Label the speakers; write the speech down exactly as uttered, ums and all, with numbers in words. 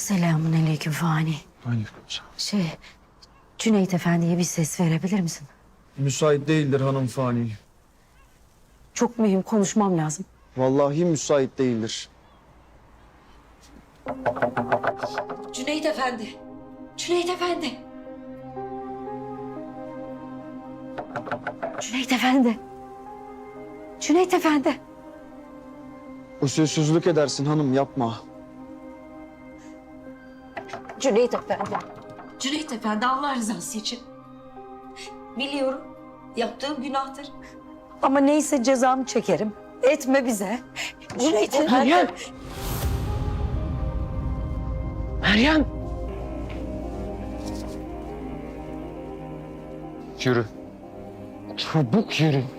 Speaker 1: Selamun aleyküm Fani.
Speaker 2: Aleykümselam.
Speaker 1: Şey, Cüneyt Efendi'ye bir ses verebilir misin?
Speaker 2: Müsait değildir hanım Fani.
Speaker 1: Çok mühim, konuşmam lazım.
Speaker 2: Vallahi müsait değildir.
Speaker 1: Cüneyt Efendi. Cüneyt Efendi. Cüneyt Efendi. Cüneyt Efendi.
Speaker 2: Usulsüzlük edersin hanım, yapma.
Speaker 1: Cüneyt Efendi. Cüneyt Efendi, Allah rızası için. Biliyorum, yaptığım günahtır. Ama neyse cezamı çekerim. Etme bize. Cüneyt Efendi.
Speaker 3: Meryem! Meryem! Yürü. Çabuk yürü.